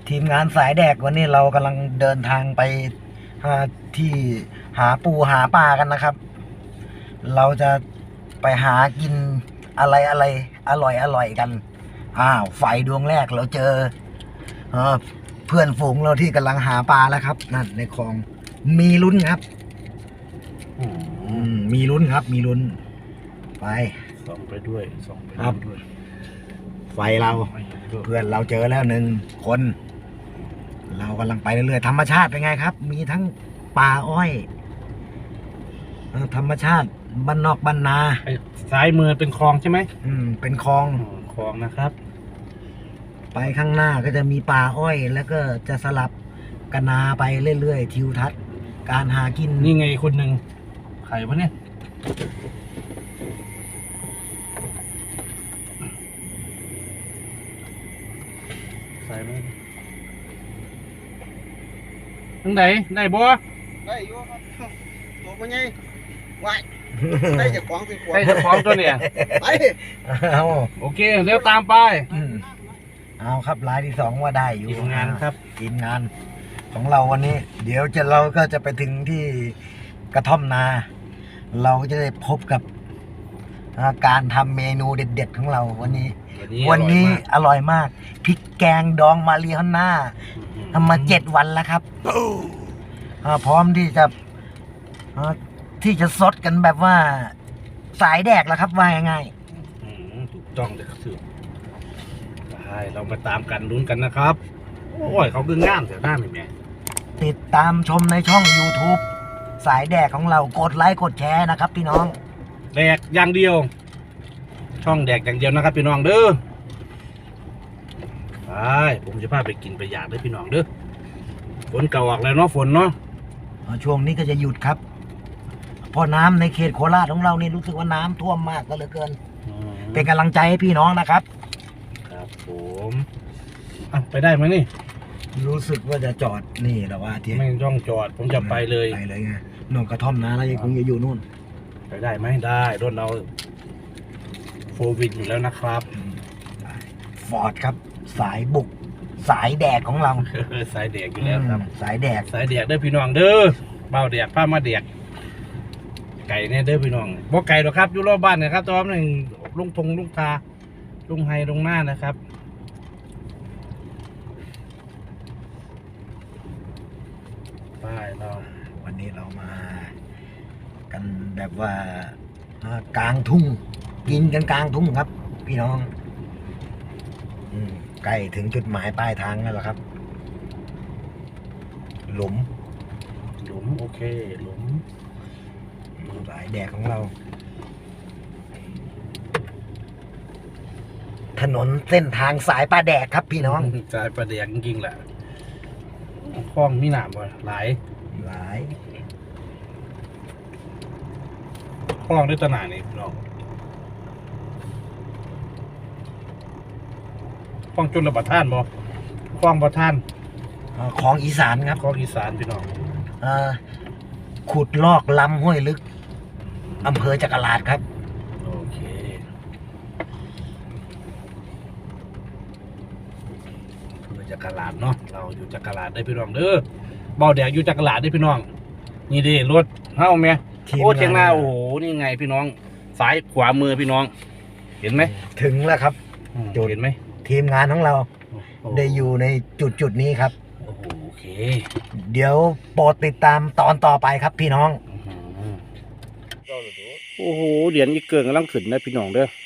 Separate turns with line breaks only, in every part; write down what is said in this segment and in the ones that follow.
ทีมงานสายแดกวันนี้เรากำลังเดินทางไปที่หาปูหาปลากันนะครับ เราจะไปหากินอะไรอร่อยกันไฟดวงแรกเราเจอเพื่อนฝูงเราที่กำลังหาปลาแล้วครับนั่นในคลองมีลุ้นครับมีลุ้นครับมีลุ้นไป
ส่องไปด้วยส่องไปด้วย
ไฟเราเพื่อนเราเจอแล้ว1 คนเรากำลังไปเรื่อยๆธรรมชาติเป็นไงครับ มีทั้งป่าอ้อยธรรมชาติบ้านนอกบ้านนา
ซ้ายมือเป็นคลองใช่ไหม
เป็นคลอง
นะครับ
ไปข้างหน้าก็จะมีป่าอ้อยแล้วก็จะสลับกันนาไปเรื่อยๆทิวทัศน์การหากิน
นี่ไงคนหนึ่งใครวะเนี่ยใส่ไหมทั้งไหนได้บัว
ได้อยู่ครับตัวมันไงวายได้จากของสิ
ได้จากของตัวเนี่ย
ไป
โอเคเร็วตามไป
เอาครับรายที่2ว่าได้อยู่
ทีมงานครับ
ทีมงานของเราวันนี้ เดี๋ยวเราก็จะไปถึงที่กระท่อมนา เราก็จะได้พบกับการทำเมนูเด็ดๆของเราวันนี้อร่อยมากพริกแกงดองมาเรียน่าทำมา7 วันแล้วครับพร้อมที่จะซดกันแบบว่าสายแดกแล้วครับว่าง่าย
ถูกต้องเลยครับสื่อใช่เรามาตามกันลุ้นกันนะครับโอ้ยเขาดึงง่ามแต่หน้าไม่แม่
ติดตามชมในช่อง YouTube สายแดกของเรากดไลค์กดแชร์นะครับพี่น้อง
แดกอย่างเดียวช่องแดกอย่างเดียวนะครับพี่น้องเด้อไปผมจะพาไปกินไปอยากด้วยพี่น้องเด้อฝนเก่าออกแล้วเนาะฝนเนาะ
ช่วงนี้ก็จะหยุดครับเพราะน้ำในเขตโคราชของเรานี่รู้สึกว่าน้ำท่วมมากก็เหลือเกินเป็นกำลังใจให้พี่น้องนะครับ
ครับผมไปได้ไหมนี่
รู้สึกว่าจะจอดนี่แต่ว่าที่
ไม่ต้องจอดผมจะไปเลย
ไงนนกระท่อมนะแล้วยังคงอยู่นู่น
ไปได้ไหมได้รถเราโฟวิดอยู่แล้วนะครับ
ฟอร์ดครับสายบุกสายแดกของเรา
สายแดกอยู่แล้วครับ
สายแดก
เด้อพี่น้องเด้อเบาแดกผ้ามาแดกไก่เนี่ยเด้อพี่น้องบ่ไก่หรอกครับอยู่รอบบ้านนะครับตอนนึงลุงทงลุงตาลุงไฮลุงหน้านะครับไปเรา
วันนี้เรามากันแบบว่ากลางทุ่งกินกันกลางทุ่งครับพี่น้องใกล้ถึงจุดหมายปลายทางแล้วครับหลุม
โอเคหลุม
สายแดกของเราถนนเส้นทางสายปลาแดกครับพี่น้อง
สายปลาแดกจริงๆแหละคลองมีหนามบ่หลายคลองด้วยตนานี่พี่น้องคลองจุลประทานบ่คลองประทาน
ของอีสานครับ
ของอีสานพี่น้อง
ขุดลอกลำห้วยลึกอำเภอจักราชครับ
โอเคอำเภอจักราชเนาะเราอยู่จักราชได้พี่น้องเด้อเบาแดกอยู่จักราชได้พี่น้องนี่ดิรถเฮ้าไหมโอ้เชียงนาโอ้โหนี่ไงพี่น้องซ้ายขวามือพี่น้องเห็นไหม
ถึงแล้วครับ
เห็นไหม
ทีมงานของเราได้อยู่ในจุดนี้ครับ
โอเค
เดี๋ยวโปรดติดตามตอนต่อไปครับพี่น้อง
โอ้โหเหรียญอีเกินกำลังขึ้นนะพี่น้องเด้อ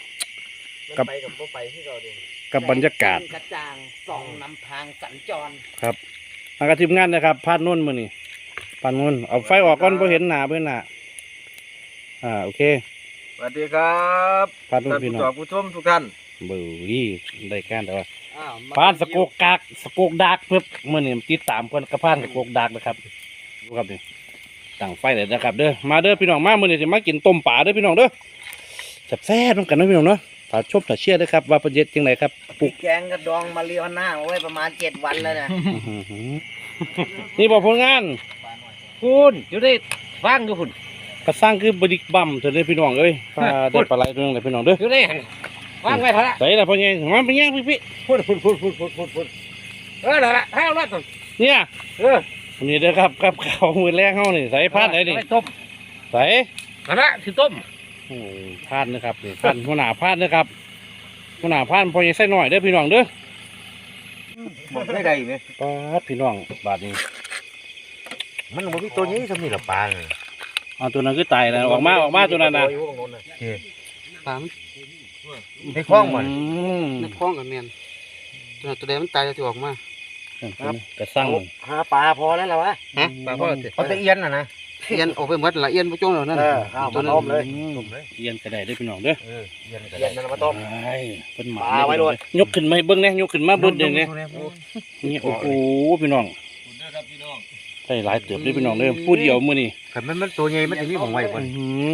กับบรรยากาศ
กระจ่างส่องนำทางสัญจร
ครับทางทีมงานนะครับพาดนุ่นมือนี่พาดนุ่นเอาไฟออกก่อนเพื่อเห็นหน้าโอเค
สวัสดีครับ
พาดนุ่นพี่น้อง
ผู้ชมทุกท่าน
เบื่อได้การแต่ว่าพานสโกกดากเพิ่มเมื่อนี่ติดตามเพื่อนกระพานสโกกดากนะครับดูครับนี่ตั้งไฟเลยนะครับเด้อมาเด้อพี่น้องมาเมื่อนี่จะมากินต้มป่าเด้อพี่น้องเด้อแซ่บต้องกันนะพี่น้องเนาะฝากชมฝากเชียร์ด้วยครับว่าประเด็นจังไหนครับ
ปลูกแกงกระดองมาเรียวหน้าไว้ประมาณ7 วันแล้วนะ
นี่บอกผลงาน
คุณอยู่ได้ฟังดูคุณ
กระสร้างคือบดิกบัมเถอะเลยพี่น้องเอ้ยได้ปลาไหลตัวนึงเลยพี่น้องเด้อ
อยู่ได้ว่างไว้พอละ
ใส่ละพ่อใหญ่มาเป็นยังพี่
พูดนั่นแหละให้เอาละตัว
เนี่ยวันนี้เด้อครับกับข้าวมือแรกเฮานี่ใส่พานไหนนี่
ต้ม
ใส่
นั่นแหละที่ต้ม
โอ้พานนะครับนี่พานหัวหน้าพานนะครับหัวหน้าพานพอยังใส่หน่อยเด้อพี่น้องเด้อ
บอกได้ใดไหม
ปาดพี่น้องบาดนี้
มันบ่มีตัวนี้สำนี่ละปลา
เอาตัวนั้นคือตายแล้วออกมาตัวนั้นนะ
ปลาในคลองมัน
ม
ในคลองกับแมนตัวใดมันตายจะออกมา
กระสั่ง
หาปลาพอแล้วเหรอวะ
ฮะปลาพ่อสิ
เอาแต่เอียนนะ
เอียนออกไปหมดละเอียนไปจ้องแล้วนั่น
ข้าว
ตัว
มา
นั้น
ต้มเลย
เอียนกระไดได้อพี่น้องเด้อ
เอียนมันมาต้ม
ไอ้เป็นหมา
ปลาไว้โลด
ยกขึ้นมาให้เบิ้งเนี่ยยกขึ้นมาเบิ้งเดี๋ยวนี้นี่โอ้โหพี่น้องใช่หลายเติบเลยพี่น้องเด้อพูดเดียวมื้อนี้
ขันมันตัวใหญ่มันจะมีของไว้ก่อน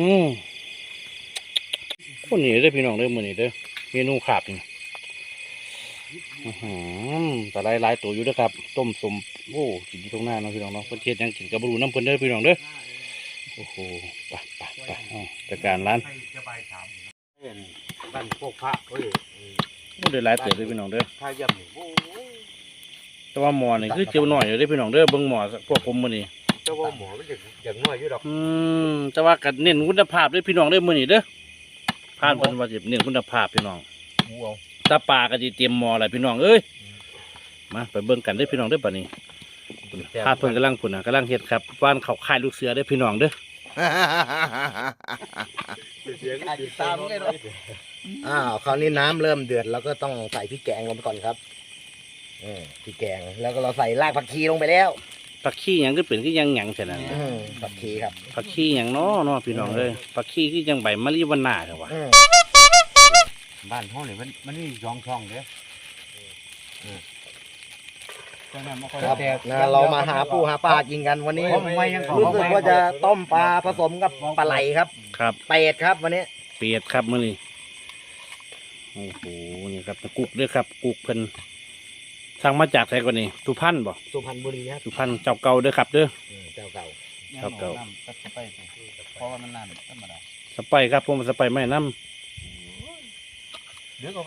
คนนี้เด้อพี่น้องเด้อมื้อนี้เด้อเมนูขาบนี่แต่หลายตัวอยู่เด้อครับต้มสมโอ้กินอยู่ตรงหน้าเนาะพี่น้องเนาะเพิ่นเฮ็ดหยังกินกับบรูน้ำเพิ่นเด้อพี่น้องเด้อโอ้โหไปจัดการร้าน
บ้านพวกพระเฮ้ย
โอ้ได้หลายเติบเลยพี่น้องเด้อ
ท่าย่ำนี่โอ้ย
แต่ว่าหมอนี่คือเจียวหน่อยเด้อพี่น้องเด้อเบิ่งหมอพวกผมมื้อนี้
เจ้าว่าหมอมันอย่างน้อยอยู่ดอก
แต่ว่าก็เน้นคุณภาพเด้อพี่น้องเด้อมื้อนี้เด้อผ่านเพิ่นว่าสิเน้นคุณภาพพี่น้อง
หมูเอา
ตาปลาก็สิเตรียมหมอแล้วพี่น้องเอ้ยมาไปเบิ่งกันเด้อพี่น้องเด้อบัดนี้พาเพิ่นกำลังพุ่นน่ะกำลังเฮ็ดครับว่านเขาค่ายลูกเสือเด้อพี่น้องเด้อ
เสียงตามไงเนาะ
คราวนี้น้ำเริ่มเดือดเราก็ต้องใส่พริกแกงลงไปก่อนครับพริกแกงแล้วก็เราใส่รากผักชีลงไปแล้ว
ผักขี้หยังคือเป็นคือยังหยังซั่นน่ะ
ผักชีครับ
ผักขี้หยังเนาะพี่น้องเอ้ยผักขี้คือจังใบมะลิวันนาเด้อวะ
บ้านห้องนี่มันมี2 ช่องเด้อ
ครับเรามาหาปูหาปลากินกันวันนี้รู้สึกว่าจะต้มปลาผสมกับปลาไหลครับ
ครับ
เป็ดครับวันนี้
เปียดครับมื้อนี้โอ้โหนี่ครับกุกเด้อครับกุกเพิ่นสั่งมาจากไสก่อนนี่สุพรรณบ่
สุพรรณบุรีครับ
สุพรรณเจ้าเก่าเด้อครับเด้อ
เจ้าเก่า
เจ้าเก่า
เพราะว่ามันนานธรรมดา
สไปครับผมสไปไม่น้
ดึกออกไป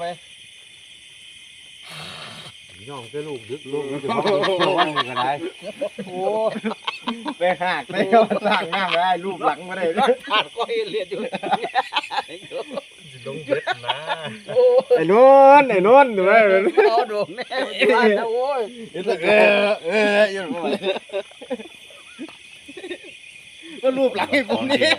ย่องจะลูกดึกลูกมันจะมาวันก็ได้โอ้ไปหักไปเอาสร้างน้ำได้รูปหลังมาได้ขาดก็เลียดอยู่ลงเบ็ดนะไอ้นวลดูไหมเอาโดนแน่บ้านนะโอ้ยยังไงก็รูปหลังให้ผมนี่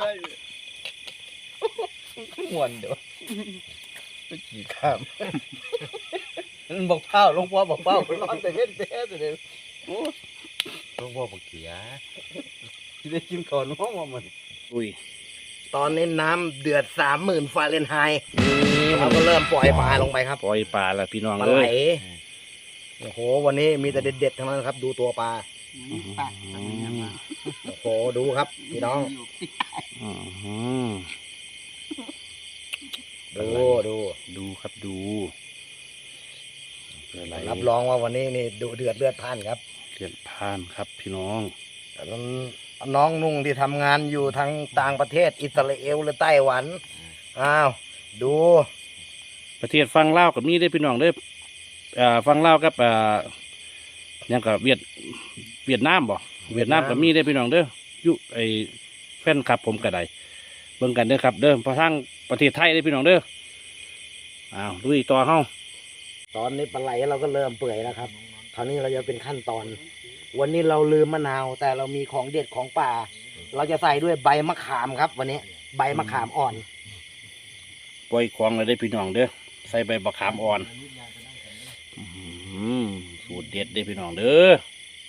ม่วนเดี๋ยวไปกี่ข้ามมันบอกเป้าลงพ่อบอกเป้านอนแต่เว้นแต่เดี๋ยวลงพ่อบอกเขียที่ได้กินก่อนน้องว่ามัน
ำอุ้ย
ตอนนี้น้ำเดือด30,000ฟาเรนไฮต์เราก็เริ่มปล่อยปลาลงไปครับ
ปล่อยปลาแล้วพี่น้อง
ปลา
เล
ไหล
ย
โอ้โหวันนี้มีแต่เด็ดๆทั้งนั้นครับ ดูตัวปลาโอ้โหดูครับพี่น้อง
อื้อหือ
ดู
ครับดูอะไร
รับรองว่าวันนี้นี่ดูเดือดเลือดพล่านครับ
เรียนผ่านครับพี่น้อง
น้องนุ่งที่ทำงานอยู่ทางต่างประเทศอิสราเอลหรือไต้หวันอ้าวดู
ประเทศฟังเล่าวกับมีได้อพี่น้องเด้อฟังเล่าวกับยังกับเวียดนามบ่เวียดนามกับมีได้อพี่น้องเด้อยุไอแฟนคลับผมก็ได้เบิ่งกันเด้อครับเด้อพอทั้งประเทศไทยได้อพี่น้องเด้ออ้าวลุยต่อเฮา
ตอนนี้ปลาไหลเราก็เริ่มเปื่อยแล้วครับ คราวนี้เราจะเป็นขั้นตอน วันนี้เราลืมมะนาว แต่เรามีของเด็ดของป่า เราจะใส่ด้วยใบมะขามครับ วันนี้ใบมะขามอ่อน
ปล่อยของเลยได้อพี่น้องเด้อใส่ใบบักขามอ่อนสูตรเด็ดได้อพี่น้องเด้อ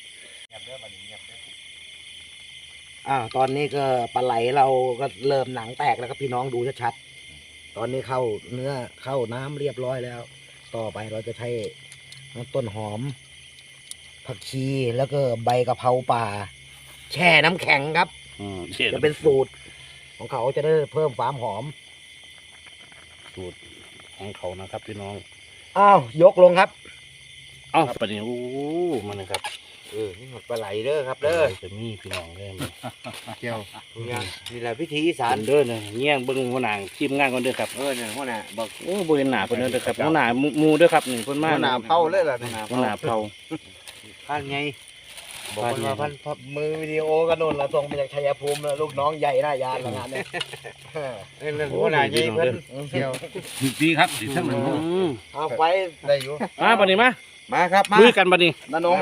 ตอนนี้ก็ปลาไหลเราก็เริ่มหนังแตกแล้วครับพี่น้องดูชัดๆตอนนี้เข้าเนื้อเข้าน้ำเรียบร้อยแล้ว ต่อไปเราจะใช้ต้นหอม ผักชีแล้วก็ใบกะเพราป่า แช่น้ำแข็งครับ จะเป็นสูตรของเขาจะได้เพิ่มความหอม
สูตรของเขานะครับพี่น้อง
อ้าวยกลงครับ
เอ้าประเดี๋ยวมันนะครับ
นี่หมดปลาไหลเด้อครับเด้อ
จะมีพี่น้องเด้อ
เจียวนี่แหละพิธีอีสา
สาน รเด้อเนี่ยเงี้ยงเบิ่งหัวหน้าทีมงานก่อนเด้อครับ
เนี่ยหัวหน้าบอก
โอ้บ่เห็นหน้าเพิ่นเด้อครับหัวหน้าหมู่เด้อครับนี่เพิ่นมา
หัวหน้าเผาเลยล่ะ
หัวหน้าเผา
พันไงบอกมันว่าพันมือวิดีโอก็โดนละส่งมาจากชัยภูมิแล้วลูกน้องใหญ่หน้ายานละงานเนี่ยเรื่องหัวหน้าใหญ่เพิ่นเที่ยว
ดีครับดีทั้งหมด
เอาไว้ได้อยู่
บัดนี้มา
มาครับมา
ลุยกันบัดนี้
น้านง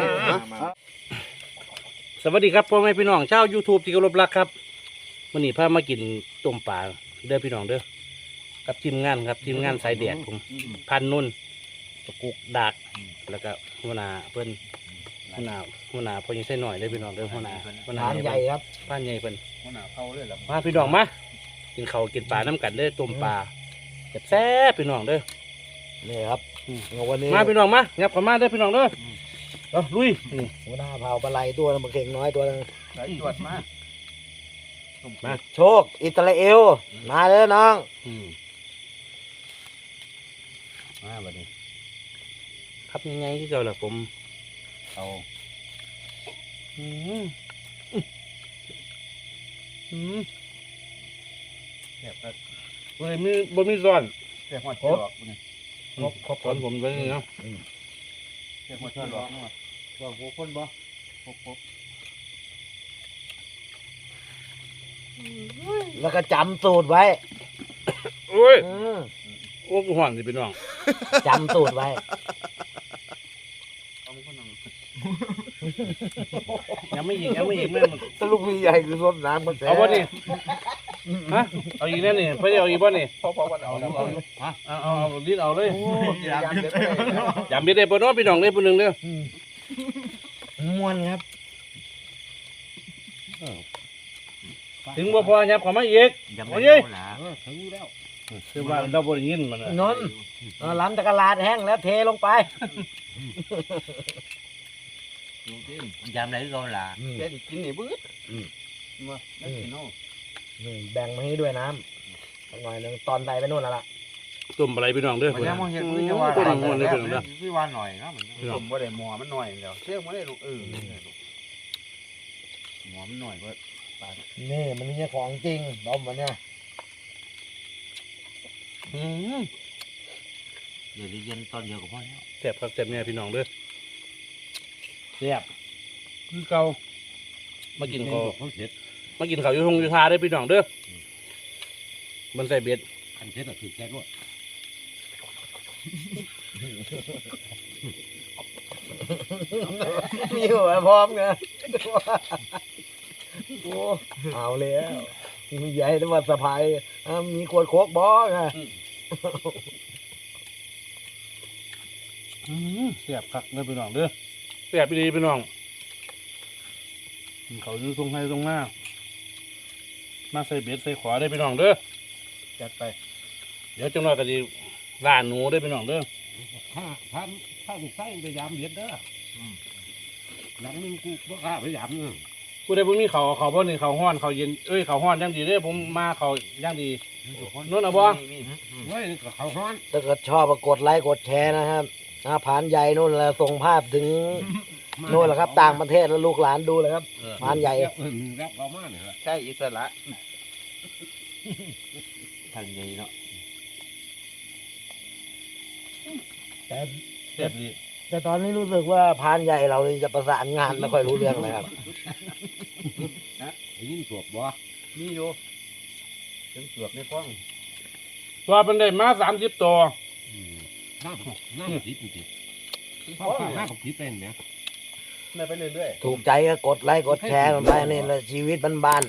สวัสดีครับพ่อแม่พี่น้องชาว YouTube ที่เคารพรักครับวันนี้พามากินต้มปลาเด้อพี่น้องเด้อกับทีมงานครับทีมงานสายแดดผมพันนุ่นตะกุกดากแล้วก็หัวหน้าเพิ่นหัวหน้าพอยังใส่หน่อยเด้อพี่น้องเด้อหัวหน้า
ทานใหญ่ครับ
พานใหญ่เพิ่น
หัวหน้าเผาเลยล่ะ
มาพี่น้องมากินข้าวกินปลาน้ำกันเด้อต้มปลาแซ่บๆพี่น้องเด้อ
นี่ครับวันนี้
มาพี่น้องมางับเข้ามาเด้อพี่น้องเด้อเอาลุยนี่
หัวหน้าเผาปลาไหลตัวนึงมาเข่งน้อยตัวนึง
ไหลตรวจมา
โชคอิสราเอลมาเลยน้อง
มาบัดนี้ครับยังไงที่เจ้าล่ะผม
เอา
อืมอืม
แบบก็
บ่มีซ้อน
เรียกว่าเชือกนี่
ครบซ้อนผมไว้นี่เนาะ
เรียกว่าเชือกนี่ว่าบอกหัวคนบ่พก
แล้วก็จำสูตรไว้
โอ้ย
อืม
โอ้กูห่อนสิพี่น้อง
จำสูตรไว้
เอาคนนึง
ยังไม่อีกแม่มัน
ตะลุกมีใหญ่คือส้มน้ำมันแซ่
เอาบ่นี่ฮะเอาอีกแน่นี่เพิ่นเอาอีกบ่นี่
พอวันเอาแล้วเอา
เอาลิ้นเอาเลย
ยามเด็ด
ยำเบ็ดได้บ่เนาะพี่น้องเด้อผู้หนึงเด้อ
ม้วนครับ
ถึงบ่พอยับเข้ามาอีก
ยัง
โอ้
ไม่
ย
รู้นะ
ถึงแล้ว
คือว่าเราบ่ได้ยินมันน่ะ
นนท์ล้ำตะกร้าดแห้งแล้วเทลงไป
ยามไหนก็ล่ะ
แกกินนี่บื้อมาได้กินเอา
แบ่งมาให้ด้วยน้ำสักหน่อยหนึงตอนใส่ไปนู่นแล้วล่ะ
ต้มอะไรพี่น้องเด้อ
มันยังมองเห็น
โอ้
คือจะ
ย
ว่า
ต้มมันเลยพี่น้องเด้อ
พี่ว่าหน่อยนะมัน
ผมบ่ได้หมอมันหน่อยเดียวเชื่อมาได้ลูกหมอมันหน่อยเบิด
นี่มันนี่ของจริงต้มมันเนี่ย
อืม
เดี๋ยวเย็นตอนเดียวก็พอแล้ว
แซ่บครับแซ่บเนี่ยพี่น้องเด้อแซ่บคือเก่ามากินข้าว
เขาเสร็จ
มากินข้าวอยู่ทงอยู่ทาได้อพี่น้องเด้อมันใส่เบ็ด
คันเสร็จก็คือแก๊กด้วย
มีหัวพร้อมไงโอ้เอาแล้วมีใหญ่แต่ว่าสะพายมีขวดโคกบ่ไง
แซ่บคักเด้อพี่น้องเด้อแซ่บดีพี่น้องกินข้าวอยู่ทงให้ทงหน้ามาใส่เบ็ดใส่ขวาได้อพี่น้องเด้อ
จัดไป
เดี๋ยวจังหน่อยก็สิล่าหนูได้อพี่น้องเด้อ
ถ้าลูกไส้พยายามเด็ดเด้อหลังนึงกูบ่กล้าพยายามนึง
ผู้ใดบ่มีข้าวเอาข้าวบ่นี่ข้าวฮ้อนข้าวเย็นเอ้ยข้าวฮ้อนจังดีเด้อผมมาข้าวจังดีนู่นเอาบ่
เฮ้ยก็เขาฮ้อน
ถ้าเกิดชอบก็กดไลค์กดแชร์นะครับผ่านใหญ่นู่นแล้วส่งภาพถึงนู่นแหละครับ ต่างประเทศแล้วลูกหลานดูเลยครับผ่านใหญ่
รับเรามาเนี่ย
ใช่อิสระทางใหญ่เนาะ
แต่
แซ่บดี
แต่ตอนนี้รู้สึกว่าผ่านใหญ่เราจะประสานงานไม่ค่อยรู้เรื่องเลยครับ
ยินสวบบ่
นี่อยู่ถึงเกือบในฟ้อง
ตัวเป็นได้มา30ตัว
น้ำติดจริงๆพ่อน้ำติดเป็นเนี่ย
ได้ไปเรื่อย
ถูกใจก็กดไลค์กดแชร์กันไปนี่แหละชีวิตบ้าน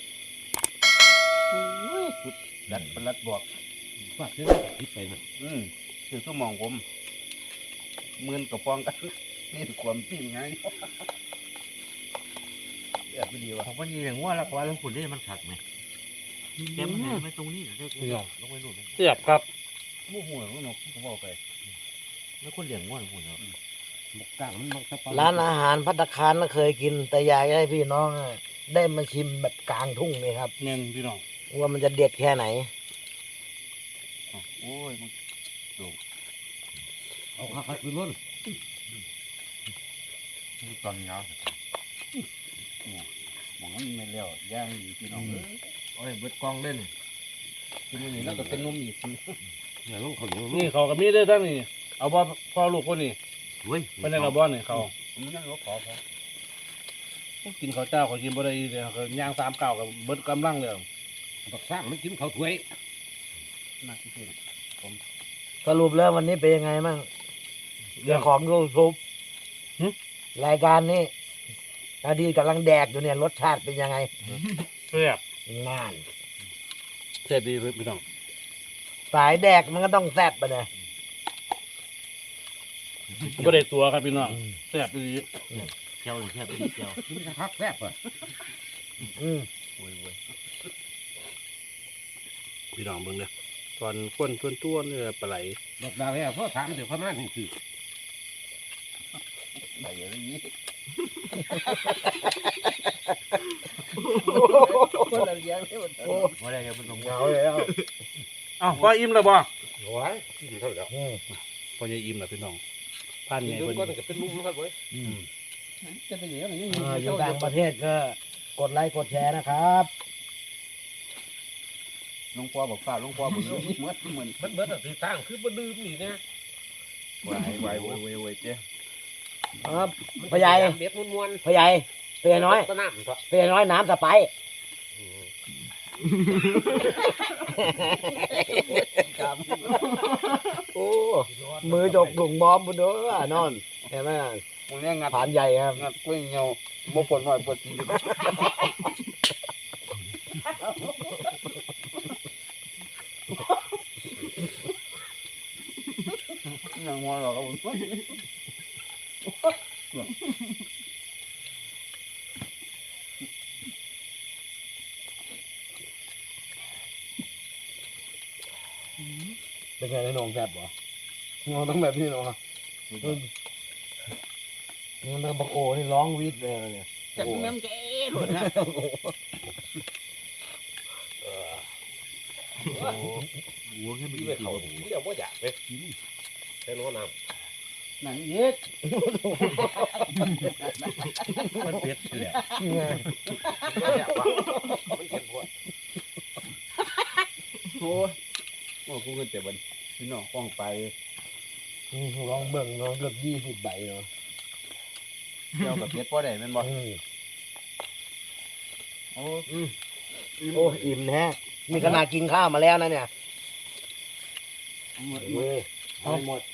ดัดประลัดบอกว่าเรื่องติดไปนะ
คือชั่วโมองผมหมื่นกับฟองกันนี่ความปิ้งไงแซ่บดีว่ะ
ผมว่านี่อย่างว่าแล้วว่าแล้วคุณได้มันขัดไหมแกมันไหนไม่ตรงนี้เหรอลงไปนู่น
แซ่บครับ
มู่หัวมันนกก็บอกไป
แล้วคนเลี้ยงง่วนคุณเนาะ
บกกลางมันบกตะป
ๆร้านอาหารภัตตาคารก็เคยกิน แต่อยากให้พี่น้องได้มาชิมแบบกลางทุ่งนี่ครับ
แม่นพี่น้อง
ว่ามันจะเด็ดแค่ไหน
โอ้ยมันเอาขาขึ้นล้น
ตอนเนาะหมองมันไม่เลี้ยวย่างอยู่พี่น้องโอ้ยเบิดกองเล่นกินนี่แล้วก็เป็นนมอีก
อย่าลงเขาอยู่
นี่เขากับมีได้ทั้งนี่เอาบ่พ่อลูกคนนี้
เว้ย
เป็นในกระบอกนี่เขา
มันนั่งรถขอเขา
กินข้าวเจ้าเขากินบ่ได้เลยเขาย่าง3 9กับเบิดกำลังเลย
บักสร้างมันกินเขาถ้วย
น่ากินจริง
สรุปแล้ววันนี้เป็นยังไงบ้างเรื่องของยูทูบรายการนี้นาดีกำลังแดกอยู่เนี่ยรสชาติเป็นยังไง
แซ่บ
งาน
แซ่บดีพี่น้อง
สายแดกมันก็ต้องแซ่บไปเลย
บ่ได้ตัวครับพี่น้องแซ่บดี
เที่ยวเที่ยวเที่ยว
กินกระทักแซ่บอ่ะ
อืม
โว้ยโว้ย
พี่น้องเบิ่งเด้อตอนก้นต้วนๆเนี่ยปลาไหล
ดอกดาวแล้วเพราะถามเดี๋ยวเขามาถึงคือ
ไปอย่างนี้คนละเลี้ยงนี่มันโอ้ว่าได้ยังมันลง
เหงาแล้ว
เอ้าพ่ออิ่มแล้วบ่
โอ้ยกินเขาแล้ว
อืม
พ่อจะอิ่มแล้วพี่น้องผ่าน
กิ
ไง
น
เพิ่น
ก็จะเป็นมุมครับเว้ย
จะไปอย่างนี้
อยู่ต่างประเทศก็กดไลค์กดแชร์นะครับ
หลวงพ่อบอกฝ่าหลวงพ่อบอกเหมือนเหมือน
มันเบิดสีตั้งคือบ่ดื่มนี่นะ
วายโว้ยเจ้
ครับพ่อใหญ่
เบ็ดม้วน
พ่อใหญ่เปียน้อย
ๆก็น้ำครับ
เปียน้อยน้ำสไปร์ โอ้มือจกถุงบอมบนเด้อนอนเห็นไหม
มึงเนี่ยงัด
ผ่านใหญ่ครับ
งัดกล้วยเงาโมปนหน่อยปวดจียังมองเราครับผม
เป็นไงในนองแซ่บบ่งอต้องแบบนี้เนาะมันบักโอนี่ร้องวีดเลยเนี่ย
จะแม่มเจ๊หลุดนะ หัวแค่ไม่
ที่
กี่
ไปเขา
ตัว
เดี๋ยวบ่อยากไปกินแค่น้อน้ำ
หนังเย็ด
มันเป็ดเลย มันเก็บหัว
โอ้ยโอ้กูเงินแต่วันพี่น้องป้องไป
ลองเบิ่งเนาะเกือบ20 ใบเนาะ
เที่ยวกับเพชรพ่อได้เป็นบ่ โอ้
โอ้อิ่มแท้มีขนาดกินข้าวมาแล้วนะเนี่ย
หมด
เอาหมด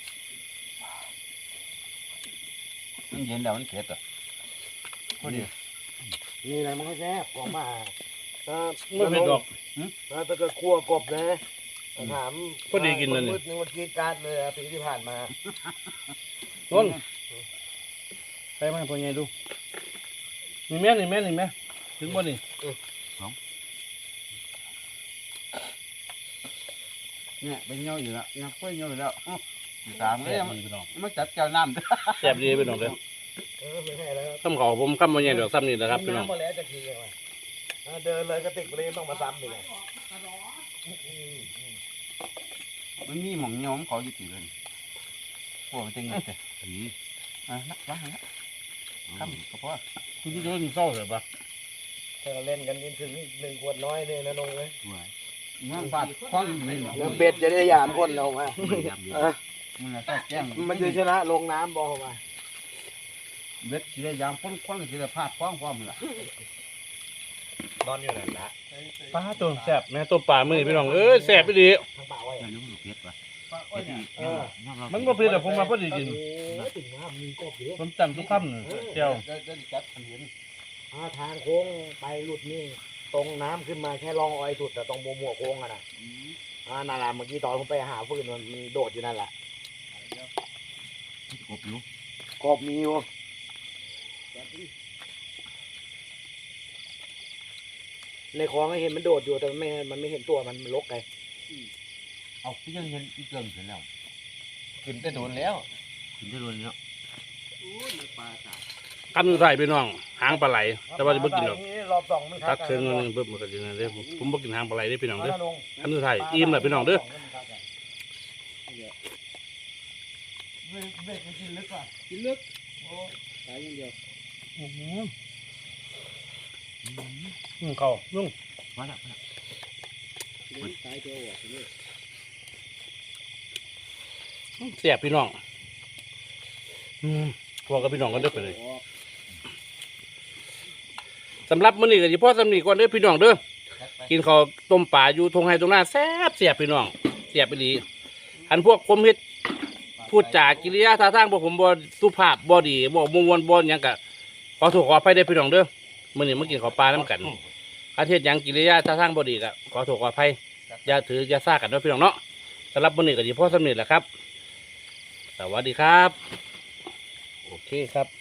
มันเย็นแล้วมันเผ็ดอ่ะพอดี
นี่แหละมันก็แซ่บของมาถ้า
ไม่เป็นดอก
ถ้าเกิดคั่วกบนะถาม
พอดีกินนั่นนี่
มืดนึงวันกีดการเลยอะปีที่ผ่านมา
ต้นไปมาพ่อใหญ่ดูนี่แม่นี่ถึงบ่นี่
เนี่ยเป็นเงาอยู่แล้วงับกล้วยเงาอยู่แล้วตามเล
แซ่
ย
บดีพี่น้อง
มันจัดเจ้าน้ำ
แซ่บดีพี่น้องเด้อ
ไม่ใช่แล้ว
ซ้ำเขาผมคำบ่ใหญ่ดอกซ้ำนี่นะครับพี่น้อง
น้ำมาแล้วจะขี่มาเดินเลยกระติกเลยต้องมาซ้ำอีกเลย
มันมีหม่องเงาของเขาอยู่ตีเลยพวกมันจะเงินแต่ผีล้างแล้วข้ามก็พอ
คุณที่โดนเศร้าเหรอปะ
ถ้าเล่นกันถึง1 ขวดน้อยเลยนะนงเลย
งานฟาดคว้างนี่หรอ
แล้วเป็ดจะได้ยามคนเรามา
มันจะแจ้ง
มันจะชนะลงน้ำบอกมา
เบ็ดที่ได้ยามพ้นคว้างที่ได้พาดคว้างความล่ะ
นอนอยู่นั่นละ
ปลาตัวแซ่บแม่ตัวปลามือพี่น้องแซ่บไปดี
ทางป่าไว้
ไม่รู้เผ็ดป่ะ
มันบ่เผ็ดแต่ผมมาพอดีกิน
ถึงน้ำมีกบเยอะ
ผมจำทุกคำเลยเจ้า
ได้จัดเห็น
ทางโค้งไปหลุดนี่ตรงน้ำขึ้นมาแค่รองออยสุดแต่ตรงมัวโค้งอะนะนั่นแหละเมื่อกี้ตอนผมไปหาฟืนมันโดดอยู่นั่นแหละ
กบอยู่
กบมีอยู่ในคลองก็เห็นมันโดดอยู่แต่มันไม่เห็นตัวมันลกไง
เอาพี่ยังเห็นอีเกิงเสร็จแล้วขึ้นได้โดนแล้วขึ้นได้โดนแล้ว
กันใส่พี่น้องหางปลาไหลแต่ว่าจะบ่กินหรอก
รอบสองมัน
ตักเครื่องนึงเพิ่มมันก็จะนั่นเด้อผมบ่กินหางปลาไหลเด้อพี่น้องเด้อ
ลง
อันสุดท้ายอิ่มแล้วพี่น้องเด้อ
เบ็ดมันกินลึกว่ะ
กินลึกโอ้ตายอย่างเดียว
เขาลุง
มาละ
เสียบพี่น้องพวกกับพี่น้องกันเด้อไปเลยสำหรับมื้อนี้ก็สิพ่อสำนีก่อนเด้อพี่น้องเด้อกินข้าวต้มปลาอยู่ทงไห้ตรงหน้าแซ่บเสียบพี่น้องเสียบไปดีอันพวกผมเฮ็ดพูดจากิริยาท่าทางพวกผมบ่สุภาพบ่ดีบ่มวนบ่หยังก็ขอโทษขออภัยเด้อพี่น้องเด้อมื้อนี้มากินข้าวปลานํกันอาเทศหยังกิริยาท่าทางบ่ดีก็ขอโทษขออภัยอย่าถืออย่าซ่ากันเด้อพี่น้องเนาะสำหรับมื้อนี้ก็สิพ่อสำนีแหละครับสวัสดีครับโอเคครับ